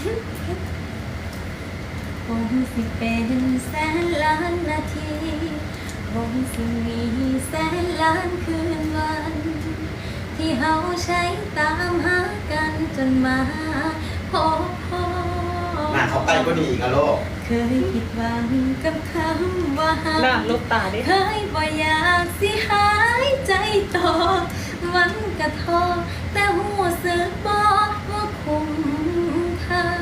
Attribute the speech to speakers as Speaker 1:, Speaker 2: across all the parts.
Speaker 1: คงสิเป็นแสนล้านนาทีคงสิมีแสนล้านคืนวันที่เฮาใช้ตามหากันจนมาพบพ่อ
Speaker 2: หน้าเขาใกล้กว่านี้อีกอะโลก
Speaker 1: เคยผิดหวังกับคำว่าหา
Speaker 3: หน้าลูกตาดิ
Speaker 1: เคยบ่อยากสิหายใจต่อมันกระทอแต่หัวสึกบ่ว่าคุ้มค่า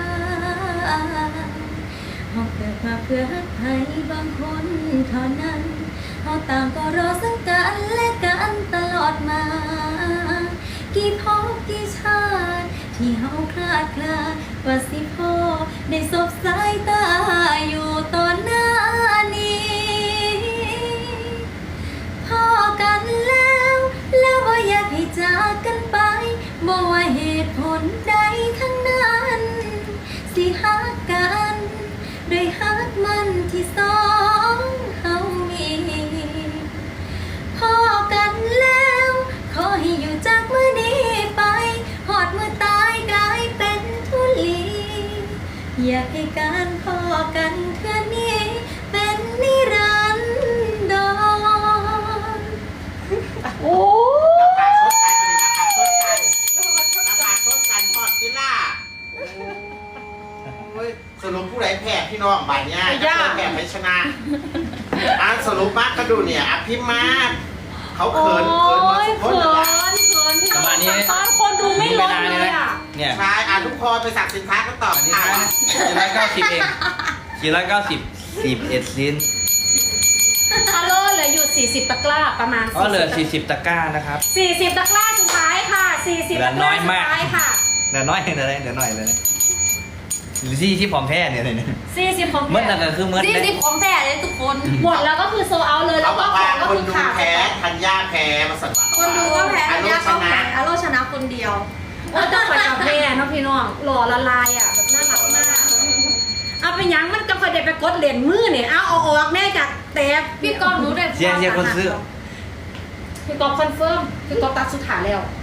Speaker 1: เฮาเกิดมาเพื่อใครบางคนเท่านั้นเฮาต่างก็รอซึ่งกันและกันตลอดมากี่ภพกี่ชาติที่เฮาคลาดคลาว่าสิพอได้สบสายตาอยู่ตอนหน้านี้พอกันแล้วบ่อยากให้จากกันไปบ่ว่าเหตุผลใดทั้งนั้นสิฮักกันด้วยฮักมันที่สองเฮามีพอกันแล้วขอให้อยู่จากมื้อนี้ไปหอดมื้อตายกลายเป็นทุลีอยากให้การพอกันเทื่อนี้เป็นนิรันดร
Speaker 3: โอ้
Speaker 2: ราคาชดกันพอดกิล่าสรุปผู้ใดแพ้พี่น้องบ่ายนี้แพ้ไม่ชนะสรุปมากก็ดูเนี่ยพิมพ์มาเขาเขินมาสุดคนเลย
Speaker 3: ประมาณนี้คนดูไม่ลงเลยอ่ะ
Speaker 2: เนี่ยใช่ทุกคนไปสั่งสินค้าก็ตอบ
Speaker 3: ค่ะ490เอง490 11ลิ้น
Speaker 4: ฮัลโหลเหลืออยู่40ตะกร้าประมาณ
Speaker 3: เหลือ40ตะกร้านะครับ
Speaker 4: 40ตะกร้าสุดท้ายค่ะ40ตะกร้าสุดท้ายค่ะ
Speaker 3: เหลือน้อยเลยเดี๋ยวหน่อยเลยหรือที่ผอมแพ้เนี่ย
Speaker 4: 40ของ
Speaker 3: แท้เมื่อนั้นคือเมื่อ
Speaker 4: 40ของแท้เลยทุกคนหมดแล้วก็คือโซเอาเลยแล้วก็ของก็คือขาด
Speaker 2: แพ้ธัญญาแพ้มาสั่ง
Speaker 4: คนดูก็แพ้ธัญญาก็แพ้อโลชนะคนเดียวต้องไปกับแพ้น้องพี่น้องหล่อละลายอ่ะแบบน่ารักมากเอาไปยังมันก็ค่อยได้ไปกดเหรียญมือเนี่ยเอาออกแน่จากแต่พี่กอล์ฟหนูได้
Speaker 3: เชียร์คนซื้อ
Speaker 4: พี่กอล์ฟคอนเฟิร์มพี่กอล์ฟตัดสุดท้ายแล้ว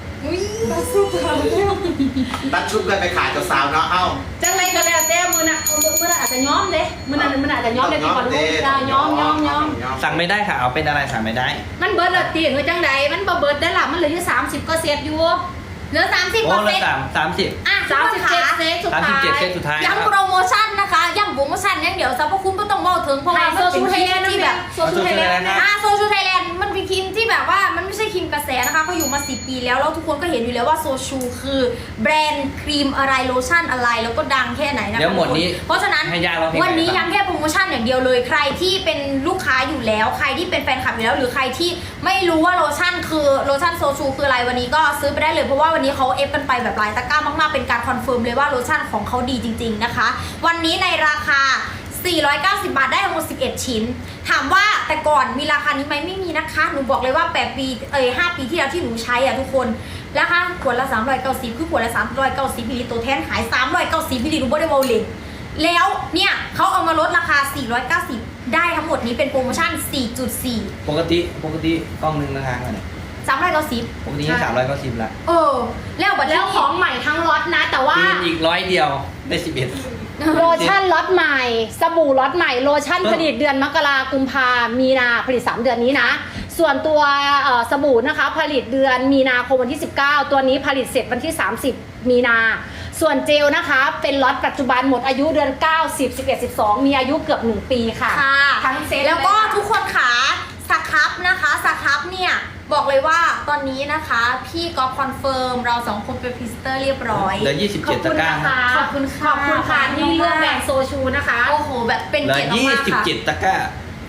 Speaker 2: ตัดชุบกันไปขายกับสาวเนาะ
Speaker 4: จังไรก็แล้วแต่มือน่ะอาจจะย้อมเลยมือน่ะมันอาจจะย้อมเลยพี่ก่อนลูกได้ย้อม
Speaker 3: สั่งไม่ได้ค่ะเอาเป็นอะไรสั่งไม่ได้
Speaker 4: มันเบิร์ดละตีหรือจังใดมันเบิร์ดได้หรอมันเหลืออยู่30ก็เซฟอยู่เหลือ30ก็เซฟ37เซฟสุดท้าย
Speaker 1: ย้ำโปรโมชั่นนะคะย้ำโปรโมชั่นอย่างเดี๋ยวสรรพคุณก็ต้องบอกถึงเพราะว่ามันเป็นครีมที่แบบ
Speaker 4: โซชูไทยแลนด์
Speaker 1: โซชูไทยแลนด์มันเป็นครีมที่แบบว่ามันไม่ใช่ครีมกระแสนะคะเขาอยู่มา10 ปีแล้วทุกคนก็เห็นอยู่แล้วว่าโซชูคือแบรนด์ครีมอะไรโลชั่นอะไรแล้วก็ดังแค่ไหนนะคะเพราะฉะนั้นวันนี้ย้ำแค่โปรโมชั่นอย่างเดียวเลยใครที่เป็นลูกค้าอยู่แล้วใครที่เป็นแฟนคลับอยู่แล้วหรือใครที่ไม่รู้ว่าโลชั่นโซชูคืออะไรวันนี้ก็ซื้อไปได้เลยเพราะว่าวันนี้เขาเอฟกันไปแบบหลายตะกร้ามากๆเป็นการคอนเฟิร์มเลยว่าโลชั่นของเขาดีจริงๆนะคะวันนี้ในราคา490 บาทได้ทั้งหมด11 ชิ้นถามว่าแต่ก่อนมีราคานี้ไหมไม่มีนะคะหนูบอกเลยว่า8 ปี5 ปีที่แล้วที่หนูใช้อ่ะทุกคนราคาขวดละ390คือขวดละ390มิลลิลิตรตัวแทนขาย390มิลลิลิตรหนูบ่ได้เบาเลยแล้วเนี่ยเขาเอามาลดราคา490ได้ทั้งหมดนี้เป็นโปรโมชั่น 4.4
Speaker 3: ปกติกล้องนึงนะคะเนี่ย
Speaker 1: 390
Speaker 3: ปกติ390ละ
Speaker 4: แล้วของใหม่ทั้งล็อตนะแต่ว่า
Speaker 3: อีก100เดียวได้11
Speaker 4: โลชั่นล็อตใหม่สบู่ล็อตใหม่โลชั่นผลิตเดือนมกรากุมภามีนาผลิต3 เดือนนี้นะส่วนตัวสบู่นะคะผลิตเดือนมีนาคมวันที่19ตัวนี้ผลิตเสร็จวันที่30มีนาส่วนเจลนะคะเป็นล็อตปัจจุบันหมดอายุเดือน9 10 11 12มีอายุเกือบ1 ปีค่ะ
Speaker 1: ทั้งเซตแล้วก็ทุกคนขาสครับนะคะสครับเนี่ยบอกเลยว่าตอนนี้นะคะพี่ก๊อฟคอนเฟิร์มเรา2 คนเป็นพรีเซนเตอร์เรียบร้อย
Speaker 3: เหลือ27ตะกร้า
Speaker 1: ขอบคุณค่ะ
Speaker 4: ที่เลือกแบรนด์โซชูนะคะ
Speaker 1: โอ้โหแบบเป็นเกียรติมากค่ะ
Speaker 3: 27ตะกร้า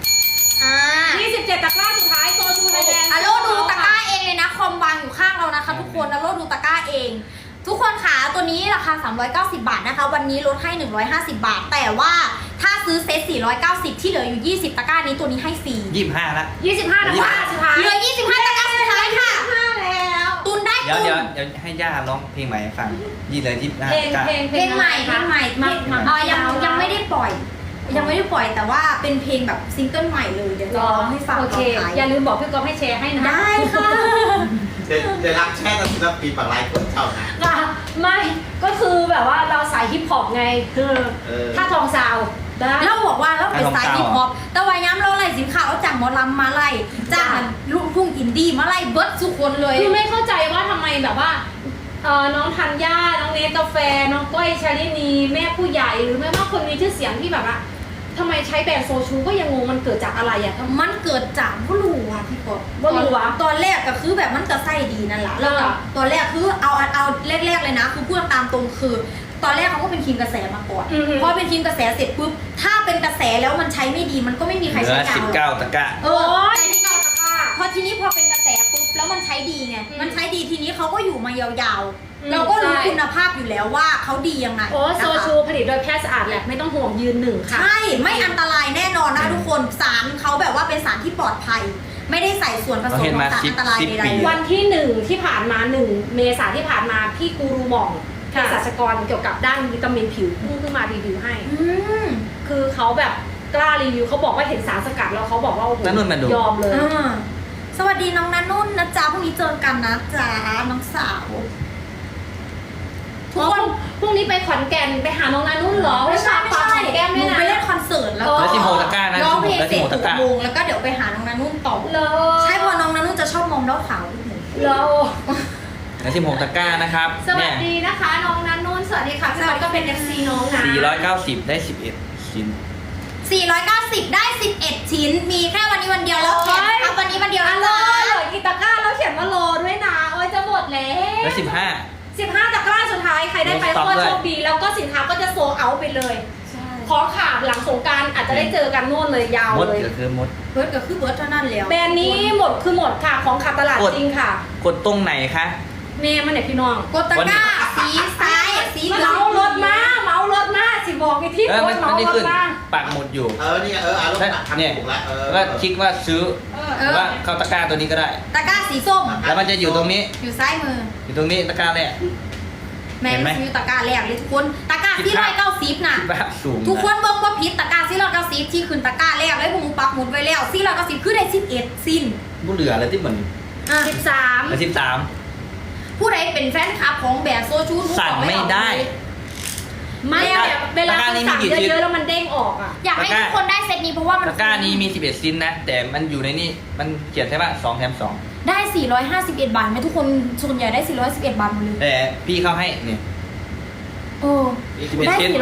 Speaker 4: 27ตะกร้าสุดท้ายโซชูไทยแลนด์
Speaker 1: โลดูตะกร้าเองเลยนะคอมวางอยู่ข้างเรานะคะทุกคนโลดูตะกร้าเองทุกคนขาตัวนี้ราคา390 บาทนะคะวันนี้ลดให้150 บาทแต่ว่าถ้าซื้อเซต490ที่เหลืออยู่20ตะกร้านี้ตัวนี้ให้ฟรี
Speaker 3: 25ละ
Speaker 4: 25ตะกร้าสุดท้าย
Speaker 1: เหลือ25ตะกร้าสุดท้ายค่ะ
Speaker 4: แล้ว
Speaker 1: ตุนได้ตุน
Speaker 3: เดี๋ยวให้ย่าร้องเพลงใหม่ให้ฟัง
Speaker 1: เพลงใหม่ยังไม่ได้ปล่อยแต่ว่าเป็นเพลงแบบซิงเกิลใหม่เลยเดี๋ยวร้องให้ฟัง
Speaker 4: โอเคอย่าลืมบอกพี่ก๊อฟให้แชร์ให้นะ
Speaker 1: ได้ค่ะ
Speaker 2: เดี๋ยวรับแช่ตอนศิลปินฝั่งไลฟ์คนเช่านะ
Speaker 4: ไม่ก็คือแบบว่าเราสายฮิปฮอปไงคือถ้าทองซาวได้
Speaker 1: เราบอกว่าเราเป็นสายฮิปฮอปแต่ว่าย้ำเราไล่สินค้าเอาจากหมอลำมาไล่จากลูกทุ่งอินดี้มาไล่เบิร์ดทุกคนเลย
Speaker 4: คือไม่เข้าใจว่าทำไมแบบว่าน้องธัญญาน้องเนสกาแฟน้องก้อยชาลินีแม่ผู้ใหญ่หรือแม่ว่าคนมีชื่อเสียงที่แบบว่าทำไมใช้แบรนด์โซชูก็ยังงงมันเกิดจากอะไรอ่ะ
Speaker 1: มันเกิดจากผู้รู้ว่ะพี่กบ
Speaker 4: บ่รู้วะ
Speaker 1: ตอนแรกก็คือแบบมันก็ไส้ดีนั่นแหละแล้วก็ตอนแรกคือเอาแรกๆเลยนะคือพูดตามตรงคือ ตอนแรกเขาก็เป็นทีมกระแสมาก่อนพอเป็นทีมกระแสเสร็จปุ๊บถ้าเป็นกระแสแล้วมันใช้ไม่ดีมันก็ไม่มีใคร
Speaker 3: เหลื
Speaker 1: ใช้
Speaker 3: อ
Speaker 1: ยาวหรอก
Speaker 3: 19 ตะกร้า
Speaker 1: ใช้ที่เก้าตะกร้าพอทีนี้พอเป็นกระแสปุ๊บแล้วมันใช้ดีไงมันใช้ดีทีนี้เขาก็อยู่มายาวๆเราก็รู้คุณภาพอยู่แล้วว่าเขาดียังไง
Speaker 4: โอ้
Speaker 1: นะคะ
Speaker 4: โซชูผลิตโดยแพทย์สะอาดแหละไม่ต้องห่วงยืนหนึ่งค่ะ
Speaker 1: ใช่ไม่อันตรายแน่นอนนะทุกคนสารเขาแบบว่าเป็นสารที่ปลอดภัย ไม่ได้ใส่ส่วนผสมของสารอันตรายใดๆ
Speaker 4: วันที่1ที่ผ่านมา1เมษาที่ผ่านมาพี่กูรูหม่องเภสัชกรเกี่ยวกับด้านวิตามินผิวพุ่งขึ้นมารีวิวให้ คือเขาแบบกล้ารีวิวเขาบอกว่าเห็นสารสกัดแล้วเขาบอกว่าโอ้โห
Speaker 3: นั่นนู่นมาดู
Speaker 4: ยอมเลย
Speaker 1: สวัสดีน้องนันนุ่นนะจ๊ะพรุ่งนี้เจอกันนะจ๊ะน้องสาวทุกคน
Speaker 4: พรุ่งนี้ไปขอนแก่นไปหาน้องนานุ่นเหรอ
Speaker 1: ไม่ใช่
Speaker 4: ฝากขอนแก้ม
Speaker 1: ห
Speaker 4: ด้
Speaker 1: นู
Speaker 4: วยนะ
Speaker 1: ไปเล่นคอนเสิร์ตแล้ว
Speaker 3: แล้ว
Speaker 1: ก็
Speaker 3: 16 ตะกร้านะ
Speaker 1: ร้องเพลง
Speaker 3: แล้ว
Speaker 1: เสร็จ
Speaker 3: 16 ตะกร้า
Speaker 1: 6 โมงแล้วก็เดี๋ยวไปหาน้องนันนุ่นต่อ
Speaker 4: เหรอ
Speaker 1: ใช่เพอน้องนันนุ่นจะชอบมองดาวขาว
Speaker 4: เหรอ
Speaker 3: เหลือ16 ตะกร้านะครับ
Speaker 4: สวัสดีนะคะน้องนานุ่นสวัสดีค่ะพี่บอลก็เป็น FC น้องนะ
Speaker 3: 490 ได้ 11 ชิ้น
Speaker 1: 490 ได้ 11 ชิ้น มีแค่วันนี้วันเดียวแล้วแถมครับวันนี้วันเดียว
Speaker 4: อะ
Speaker 1: นะ
Speaker 4: โล
Speaker 1: จ๊ะ
Speaker 4: เหลือกี่ตะกร้าแล้วเขียนว่าโลด้วยนะโอ้ยจะหมดแล้ว
Speaker 3: แล้ว
Speaker 4: 15ตะกร้าสุดท้ายใครได้ไป
Speaker 3: ลดสต็อก
Speaker 4: ก็
Speaker 3: ด้วย
Speaker 4: โชคดีแล้วก็สินค้าก็จะโซลเอาท์ไปเลยของขาดหลังสงกรารอาจจะได้เจอกันโน่นเลยยาว
Speaker 3: 15มด
Speaker 4: เลย
Speaker 3: ก็คือมด
Speaker 1: เบิร์ดก็คือเบิร์ดเท่านั้นแล้ว
Speaker 4: แบรนด์นี้หมดคือหมดค่ะของขาดตลาด
Speaker 3: กด
Speaker 4: จริงค่ะ
Speaker 3: กดตรงไหนคะ
Speaker 4: เมย์มันไหนพี่น้อง
Speaker 1: กดตะกร้าสีซ้ายสีเหลือง
Speaker 4: เมารถมาสิบอกไอ้ที่
Speaker 3: เออ
Speaker 4: โพ
Speaker 3: มั
Speaker 4: ส
Speaker 3: น
Speaker 4: ต์
Speaker 3: มัน
Speaker 4: เมา
Speaker 3: ไม่
Speaker 4: รถ
Speaker 3: ขึ้น
Speaker 4: มา
Speaker 3: ปักหมุดอยู่
Speaker 2: นี่อารมณ์ทำถูกแล้ว
Speaker 3: แล้วก็คลิกว่าซื้อหรือว่าเข้าตะกร้าตัวนี้ก็ได้
Speaker 1: ตะกร้าสีส้ม
Speaker 3: แล้วมันจะอยู่ตรงนี้
Speaker 1: อยู่ซ้ายมือ
Speaker 3: อยู่ตรงนี้ตะกร้าแรก
Speaker 1: แม่
Speaker 3: เห็นไหม
Speaker 1: ซื้อตะกร้าแรกเลยทุกคนตะกร้าที่190น่ะ
Speaker 3: คิดว่าสูง
Speaker 1: ทุกคนเบิ่งว่าผิดตะกร้าที่190ที่ขึ้นตะกร้าแรกเลยผมปักหมุดไว้แล้วที่190คือได้11สิ้น
Speaker 3: บุเหลืออะไรที่เหมือน
Speaker 4: 13
Speaker 3: แล้ว13
Speaker 1: ผู้ใดเป็นแฟนคลับของแบรนด์โซชู
Speaker 3: สั่งไม่ได้
Speaker 4: ไม่แบบเวลา
Speaker 3: ตะกร้า
Speaker 4: คุณ
Speaker 3: นี้
Speaker 4: สั่ง
Speaker 3: มีกี่ชิ้น
Speaker 4: เยอะๆแล้วมันเด้งออกอ่ะ
Speaker 1: อยากให้ทุกคนได้เซตนี้เพราะว่ามัน
Speaker 3: ตะกร้านี้มี 11 ชิ้นนะ แต่มันอยู่ในนี่มันเขียนใช่ป่ะ2แถม
Speaker 1: ได้451 บาทไหมทุกคนส่วนใหญ่ได้411 บาทหมดเลย
Speaker 3: 2แต่พี่เข้าให้นี่
Speaker 1: โอ้ ได้
Speaker 3: 11ชิ้น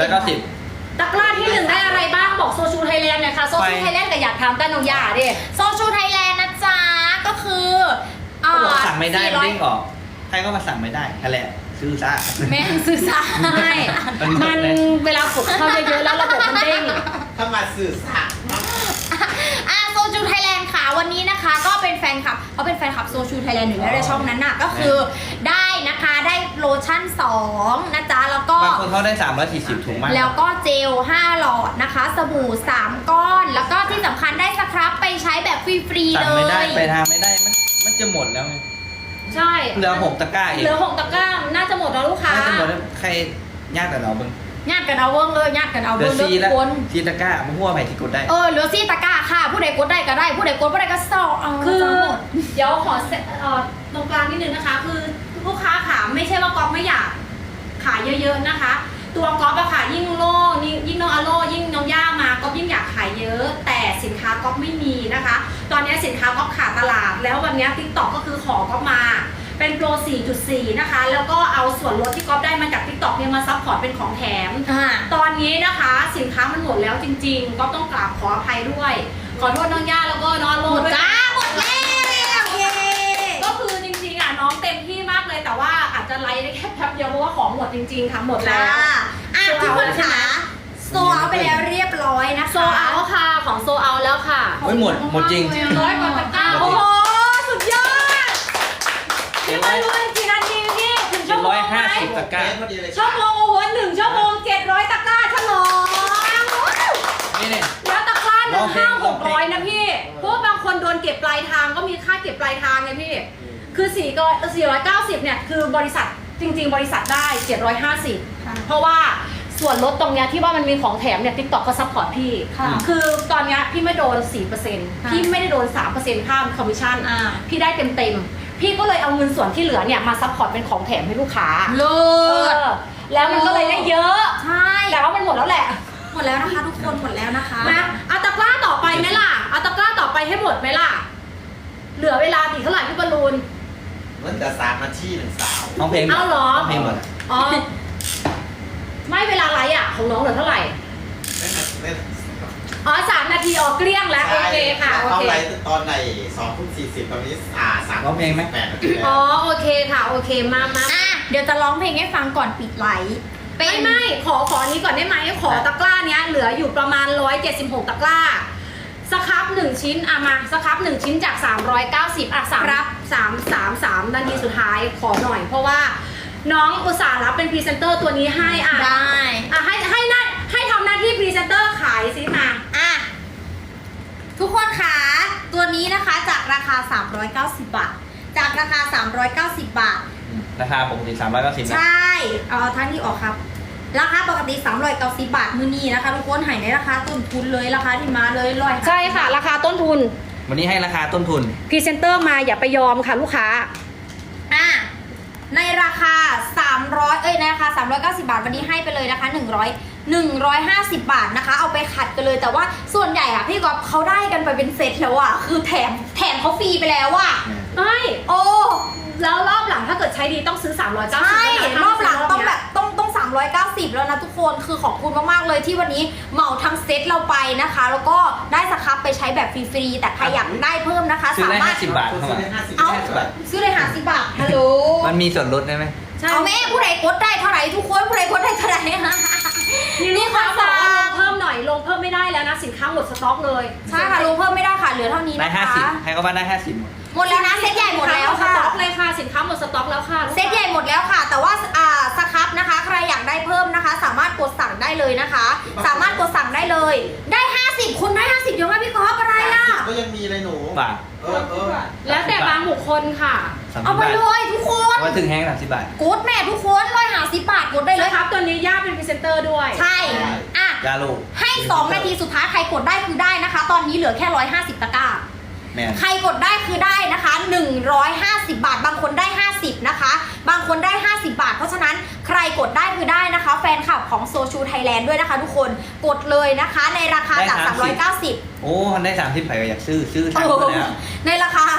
Speaker 1: 450
Speaker 4: ตะกร้าที่1ได้อะไรบ้างบอกโซชูไทยแลนด์หน่อยค่ะโซชูไทยแลนด์แต่อยากถามต้านน้องยาดิ
Speaker 1: โซชูไทยแลนด์นะจ๊ะก็คือ
Speaker 3: เขาบอกสั่งไม่ได้มันเด้ง
Speaker 1: 400
Speaker 3: ออกใครก็มาสั่งไม่ได้นั่นแหละซื้อซะ
Speaker 1: แม่ซื้อซ้าย
Speaker 4: มันเวลากดเข้าเยอะๆแล้วระบบมันเด้ง
Speaker 2: ถ้ามาสื่อสาร
Speaker 1: โซชูไทยแลนด์ค่ะวันนี้นะคะก็เป็นแฟนคลับเขาเป็นแฟนคลับโซชูไทยแลนด์อยู่แล้วในช่องนั้นน่ะก็คือได้นะคะได้โลชั่น2นะจ๊ะแล้วก็
Speaker 3: บางคนเขาได้340ถุงมาก
Speaker 1: แล้วก็เจล5หลอดนะคะสบู่3ก้อนแล้วก็ที่สำคัญได้สครับไปใช้แบบฟรีๆ
Speaker 3: สั่
Speaker 1: เล
Speaker 3: งไม่ได้
Speaker 1: ย
Speaker 3: ไปทางไม่ได้มันจะหมดแล้วไง
Speaker 4: ใช่
Speaker 3: เหลือ6 ตะกร้าเอง
Speaker 4: เหลือ6ตะกร้าน่าจะหมดแล้วลูกค้า
Speaker 3: น่าจะหมดแล้วใครยากแต่เราเบิ่ง
Speaker 1: ญาติกันเอาเวิ้งเลยญาติกันเอา
Speaker 3: เหลื
Speaker 1: เวิ้
Speaker 3: อง
Speaker 1: เลื
Speaker 3: 4
Speaker 1: อ
Speaker 3: แล้ว
Speaker 1: กคน
Speaker 3: 4 ตะกร้ามันหัวไปที่กดได้
Speaker 1: เหลือซี่ตะกร้าค่ะ ผู้ใดกดได้ก็ได้ ผู้ใดกดไม่ได้ก็เศร้าเอา
Speaker 4: คือ
Speaker 1: จะหมด
Speaker 4: เดี๋ยวขอตรงกลางนิดนึงนะคะ คือลูกค้าขาไม่ใช่ว่าก๊อฟไม่อยากขายเยอะๆนะคะ ตัวก๊อฟอะค่ะยิ่งโล่ยิ่งน้องอโลยิ่งน้องย่ามาก๊อฟยิ่งอยากขายเยอะ แต่สินค้าก๊อฟไม่มีนะคะ ตอนนี้สินค้าก๊อฟขาดตลาด แล้ววันนี้ TikTok ก็คือขอก๊อฟมาเป็นโปร 4.4 นะคะ แล้วก็เอาส่วนลดที่ก๊อฟได้มาจาก TikTok เนี่ยมาซัพพอร์ตเป็นของแถม ตอนนี้นะคะสินค้ามันหมดแล้วจริงๆ ก็ต้องกราบขออภัยด้วย ขอโทษน้องย่าแล้วก็น้องอโล
Speaker 1: หมด
Speaker 4: ด้วย
Speaker 1: จ้าหมดแล้วเย้
Speaker 4: ก็คือจริงๆอ่ะน้องเต็มที่มากเลยแต่ว่าอาจจะไลฟ์ได้แค่แป๊บเดียวเพราะว่าของหมดจริงๆค่ะหมดแล้ว
Speaker 1: ทุกคนค่ะโซเอาไปแล้วเรียบร้อยนะคะ
Speaker 4: โซเอาค่ะของโซเอาแล้วค่ะ
Speaker 3: ไม่หมดจริง
Speaker 4: 100 กว่าตะกร้า
Speaker 3: หมดจริง
Speaker 4: โอ้โหสุดยอดพี่มารู้กี่นาทีพี่ถึงชั่วโมงไหม
Speaker 3: 750 ตะกร้า
Speaker 4: ชั่วโมงโอ้โห1 ชั่วโมง 700 ตะกร้าฉลอง
Speaker 3: นี่เนี่ย
Speaker 4: แล้วตะกร้าหนึ่ง
Speaker 3: ร้องเพลง
Speaker 4: 500-600นะพี่เพราะว่าบางคนโดนเก็บปลายทางก็มีค่าเก็บปลายทางไงพี่คือ490เนี่ยคือบริษัทจริงๆ บริษัทได้750เพราะว่าส่วนลดตรงเนี้ยที่ว่ามันมีของแถมเนี่ย TikTok ก็ซัพพอร์ตพี่ คือตอนเนี้ยพี่ไม่โดน 4%พี่ไม่ได้โดน 3% ค่าคอมมิชชั่นพี่ได้เต็มพี่ก็เลยเอาเงินส่วนที่เหลือเนี่ยมาซัพพอร์ตเป็นของแถมให้ลูกค้า
Speaker 1: เลิ
Speaker 4: เอ
Speaker 1: ศ
Speaker 4: อแล้วมันก็เลยได้เยอะ
Speaker 1: ใช่
Speaker 4: แต่ว่ามันหมดแล้วแหละ
Speaker 1: หมดแล้วนะคะทุกคนหมดแล้วนะคะ
Speaker 4: นะเอาตะกร้าต่อไปไหมล่ะเอาตะกร้าต่อไปให้หมดไหมล่ะเหลือเวลาอีกเท่าไหร่พี่บอลลูน
Speaker 2: มันจะ3 นาที1 สาว
Speaker 3: น้องเพลง
Speaker 4: เอาเหรอ
Speaker 3: น้องเพลงหมด
Speaker 4: อ๋อไม่เวลาไลฟ์อ่ะของน้องเหลือเท่าไหร่ อ๋อ3 นาทีออกเกลี้ยงแล้วโอเคค่ะโอ
Speaker 2: เขา
Speaker 4: เค
Speaker 2: ไลฟ์ตอนไหน2:40ตอนนี้3
Speaker 3: ร้องเพลงไหม
Speaker 2: 8 นาทีแล้ว
Speaker 4: อ๋อโอเคค่ะโอเคมา
Speaker 1: อ่ะเดี๋ยวจะร้องเพลงให้ฟังก่อนปิดไลฟ์เป็น
Speaker 4: ไม่ขออันนี้ก่อนได้ไหมขอตะกร้าเนี้ยเหลืออยู่ประมาณ176ตะกร้าสครับ1ชิ้นอ่ะมาสครับ1ชิ้นจาก390อ่ะ3นาทีสุดท้ายขอหน่อยเพราะว่าน้องอุตส่าห์รับเป็นพรีเซนเตอร์ตัวนี้ให้อ่ะ
Speaker 1: ได้
Speaker 4: อ่ะให้ทำหน้าที่พรีเซนเตอร์ขายสิมา
Speaker 1: อ่ะทุกคนคะตัวนี้นะคะจากราคา390 บาทจากราคา390 บาท
Speaker 3: ราคาปกติ390นะ
Speaker 1: ใช่เอาท่านที่ออกครับ ราคาปกติ390 บาทมือนี้นะคะทุกคนหายในราคาต้นทุนเลยราคาที่มาเลย150
Speaker 4: ใช่ค่ะราคาต้นทุน
Speaker 3: วันนี้ให้ราคาต้นทุน
Speaker 4: พรีเซนเตอร์มาอย่าไปยอมค่ะลูกค้า
Speaker 1: อ่ะในราคาในราคา390 บาทวันนี้ให้ไปเลยนะคะ150 บาทนะคะเอาไปขัดกันเลยแต่ว่าส่วนใหญ่อะพี่ก๊อฟเขาได้กันไปเป็นเซตแล้วอะคือแถมเขาฟรีไปแล้วอะ
Speaker 4: ไม่
Speaker 1: โอ้
Speaker 4: แล้วรอบหลังถ้าเกิดใช้ดีต้องซื้อ390
Speaker 1: ใช่รอบหลังต้องแบบต้อง390แล้วนะทุกคนคือขอบคุณมากๆเลยที่วันนี้เหมาทั้งเซตเราไปนะคะ แล้วก็ได้สครับไปใช้แบบฟรีๆแต่ใครอยากได้เพิ่มนะคะ
Speaker 3: ซื้อได้
Speaker 1: สามารถ
Speaker 3: 50 บาทเข้ามา
Speaker 1: เอา
Speaker 2: 50 บาท
Speaker 1: ซื้อเลย50 บาทฮัลโหล
Speaker 3: มันมีส่วนลดได้ไหม
Speaker 4: ใช่
Speaker 1: เอาแม่ผู้ใดกดได้เท่าไหร่ทุกคนผู้ใดกดได้เท่าไหร่
Speaker 4: มีลูกค้าบอกว่าลงเพิ่มหน่อยลงเพิ่มไม่ได้แล้วนะสินค้าหมดสต็อกเลย
Speaker 1: ใช่ค่ะลงเพิ่มไม่ได้ค่ะเหลือเท่านี้
Speaker 3: ได้
Speaker 1: นะคะ
Speaker 3: 50ให้เขาบ้านได้50หมด
Speaker 1: หมดแล้วนะเซตใหญ่หมดแล้วค่ะ
Speaker 4: สินค้าหมดสต็อกเลยค่ะสินค้าหมดสต็อกแล้วค่ะ
Speaker 1: เซตใหญ่หมดแล้วค่ะ แต่ว่าสครับนะคะ ใครอยากได้เพิ่มนะคะ สามารถกดสั่งได้เลยนะคะ สามารถกดสั่งได้เลย ได้50คุณได้50เดี๋ยวว่าพี่ก๊อฟอะไรอ่ะ
Speaker 2: ก็ยังมีเลยหนู
Speaker 3: บาท
Speaker 2: เออ
Speaker 4: แล้วแต่บางบุคคลค่ะ
Speaker 3: 30
Speaker 1: เอาไป
Speaker 3: บาท
Speaker 1: เลยทุกคน
Speaker 3: ว่าถึงแห้ง30 บาท
Speaker 1: กดแม่ทุกคน150 บาทกดได้เล
Speaker 4: นะ
Speaker 1: ย
Speaker 4: ครับตัวนี้ย่าเป็นพรีเซนเตอร์ด้วย
Speaker 1: ใช่อ่ะ
Speaker 3: ยาลูก
Speaker 1: ให้ 2 นาทีสุดท้ายใครกดได้คือได้นะคะ ตอนนี้เหลือแค่150ตะกร้า
Speaker 3: แม่น
Speaker 1: ใครกดได้คือได้นะคะ150 บาท บางคนได้50นะคะ บางคนได้50 บาท เพราะฉะนั้นใครกดได้คือได้นะคะ แฟนคลับของโซชูไทยแลนด์ด้วยนะคะ ทุกคนกดเลยนะคะ ในราคาจาก 390
Speaker 3: โอ้มันได้30ใครก็อยากซื้อทาง
Speaker 1: โอ้
Speaker 3: ไป
Speaker 1: โห
Speaker 3: แล้ว
Speaker 1: ในราคา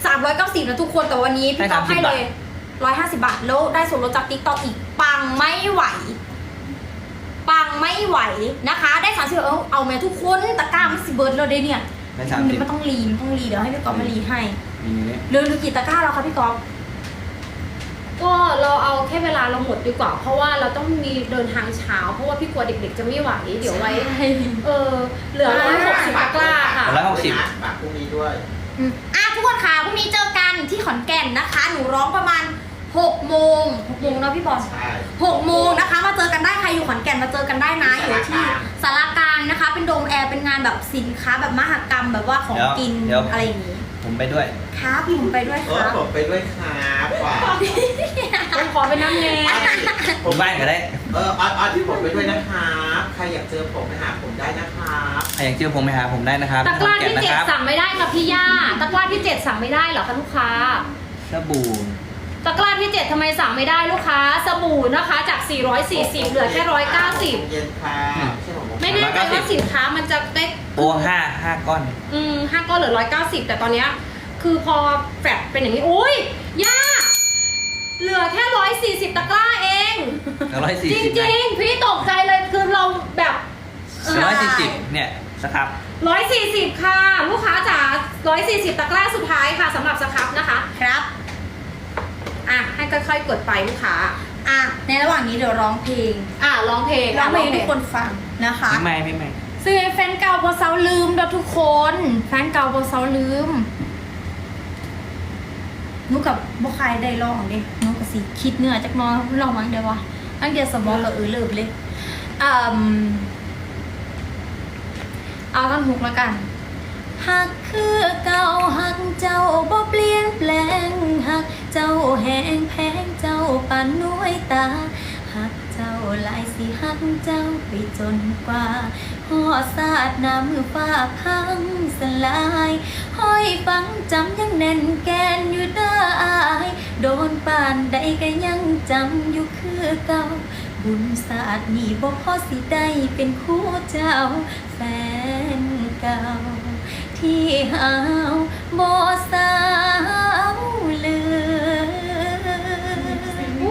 Speaker 1: 390นะทุกคนแต่วันนี้พี่ก๊อฟ
Speaker 3: ให้30
Speaker 1: ให้เลย150 บาทแล้วได้ส่วนลดจาก TikTok อีกปังไม่ไหวปังไม่ไหวนะคะ ได้30เอาแม่ทุกคนตะกร้ามันสิเบิร์ดเลยเด้เนี่ย
Speaker 3: ได้
Speaker 1: มันต้องรีเดี๋ยวให้พี่ก๊อฟมารีให้
Speaker 3: มีนี่
Speaker 1: เหลือกี่ตะกร้าแล้วคะพี่ก๊อฟ
Speaker 4: ก็เราเอาแค่เวลาเราหมดดีกว่า เพราะว่าเราต้องมีเดินทางเช้าเพราะว่าพี่กลัวเด็กๆจะไม่ไหวเดี๋ยวไว้เหลือ160ตะกร้าค่ะ
Speaker 3: แล้ว
Speaker 2: ฝากพรุ่งนี้ด้วย
Speaker 1: ทุกคนค่ะพรุ่งนี้เจอกันที่ขอนแก่นนะคะ หนูร้องประมาณ6 โมงเนาะพี่บอล
Speaker 2: ใช่
Speaker 1: 6 โมงนะคะมาเจอกันได้ใครอยู่ขอนแก่นมาเจอกันได้นะอยู่ที่สารกลางนะคะ เป็นโดมแอร์เป็นงานแบบสินค้าแบบมหกรรมแบบว่าของกินอะไรอย่างนี้
Speaker 3: ผมไปด้วย
Speaker 1: ครับผมไปด้วยครับ
Speaker 2: ผมไปด้วยครับว่ะ
Speaker 4: ผมขอไปน้ำแน่
Speaker 3: ผมบ้านก็ได้
Speaker 2: ออที่ผมไปด้วยนะครับใครอยากเจอผมไปหาผมได้นะครับ
Speaker 3: ใครอยากเจอผมไปหาผมได้นะครับ
Speaker 4: ตะกร้าที่
Speaker 3: ขอนแก่นนะครับ
Speaker 4: 7สั่งไม่ได้ค่ะพี่ย่าตะกร้าที่7สั่งไม่ได้เหรอคะลูกค้า
Speaker 3: สบู่
Speaker 4: ตะกร้าที่7ทำไมสั่งไม่ได้ลูกค้าสบู่นะคะจาก440เหลือแค่190
Speaker 2: เย็นค่ะใช่ผม
Speaker 4: ไม่แน่ใจว่าสินค้ามันจะได้
Speaker 3: โอ้5ก้อน
Speaker 4: 5ก้อนเหลือ190แต่ตอนเนี้ยคือพอแฟลตเป็นอย่างนี้อุ้ยย่าเหลือแค่140ตะกร้าเอง
Speaker 3: 140
Speaker 4: จริงๆพี่ตกใจเลยคือเราแบบ
Speaker 3: 140เนี่ยสครับ
Speaker 4: 140ค่ะลูกค้าจ๋า140ตะกร้าสุดท้ายค่ะสำหรับสครับนะคะ
Speaker 1: ครับ
Speaker 4: ให้ค่อยๆกดไปลูกค้า
Speaker 1: ในระหว่างนี้เดี๋ยวร้องเพลง
Speaker 4: ร้องเพลง
Speaker 1: ร้องเพลงให้ทุกคนฟังนะคะ
Speaker 3: ไม่ไม่
Speaker 1: ซื้อแฟนเก่าบอเซาลืมเด้อทุกคนแฟนเก่าบอเซาลืมนุกับบุคายได้ลองดินุกับสิคิดเนื้อจากน้อยลองมั้งเดี๋ยววะตั้งเดียวสมองกับเลิบเลยเอาท่อนฮุกแล้วกันหักคือเก่าหักเจ้าบ่เปลี่ยนแปลงหักเจ้าแหงแพงเจ้าปานน้วยตาหักเจ้าหลายสิหักเจ้าไปจนกว่าหอสาดน้ำมือฟ้าพังสลายห้อยฟังจำยังแน่นแกนอยู่เด้ออายโดนป่านใดก็ยังจำอยู่คือเก่าบุญศาสตร์นี่บ่พอสิได้เป็นคู่เจ้าแฟนเก่าที่หาวบ่สาวลืม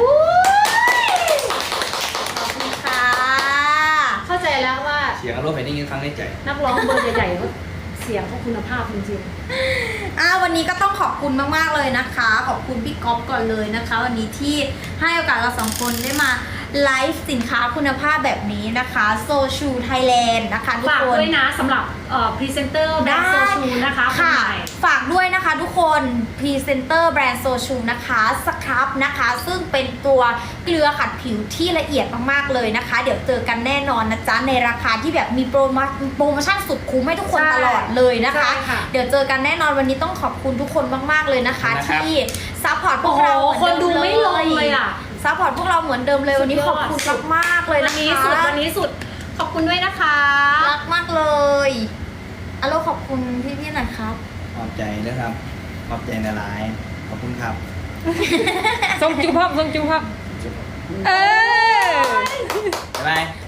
Speaker 1: ขอบคุณค่ะ
Speaker 4: เข้าใจแล้วว่า
Speaker 3: เสียงอารมณ์เห็นได้ยินครั้งในใจ
Speaker 4: นักร้องเบอร์ใหญ่ๆเขาเสียงเขาคุณภาพจริง
Speaker 1: วันนี้ก็ต้องขอบคุณมากๆเลยนะคะ ขอบคุณพี่ก๊อฟก่อนเลยนะคะ วันนี้ที่ให้โอกาสเราสองคนได้มาไลฟ์สินค้าคุณภาพแบบนี้นะคะโซชูไทยแลนด์นะคะทุก
Speaker 4: ฝาก
Speaker 1: คน
Speaker 4: ด้วยนะสำหรับพรีเซนเตอร์แบรนด์โซชูนะคะคน
Speaker 1: ค่ะ
Speaker 4: ใหม่
Speaker 1: ฝากด้วยนะคะทุกคนพรีเซนเตอร์แบรนด์โซชูนะคะสครับนะคะซึ่งเป็นตัวเกลือขัดผิวที่ละเอียดมากๆเลยนะคะ เดี๋ยวเจอกันแน่นอนนะจ๊ะในราคาที่แบบมีโปรโมชั่นสุดคุ้มให้ทุกคน
Speaker 4: ใช่
Speaker 1: ตลอดเลยนะคะ
Speaker 4: ใช่ค่ะ
Speaker 1: เดี๋ยวเจอกันแน่นอนวันนี้ต้องขอบคุณทุกคนมากๆเลยนะคะ
Speaker 3: นะครับ
Speaker 1: ที่ซัพพอร์ตพ
Speaker 4: โอ้
Speaker 1: วก
Speaker 4: โห
Speaker 1: เรา
Speaker 4: คนดูไม่ลงเลยอ่ะ
Speaker 1: ซัพพอร์ตพวกเราเหมือนเดิมเลยวันนี้ขอบคุณมากๆเลย
Speaker 4: วั
Speaker 1: นะ
Speaker 4: นนี้
Speaker 1: คะ
Speaker 4: สุดวันนี้สุดขอบคุณด้วยนะคะ
Speaker 1: รักมากเลยอโลขอบคุณพี่ๆหน่อยครับ
Speaker 3: ขอบใจนะครับ ขอบใจในไลน์ขอบคุณครับ
Speaker 4: ส่งจุ๊บครับส่งจุ๊บครับ
Speaker 3: บ๊ายบาย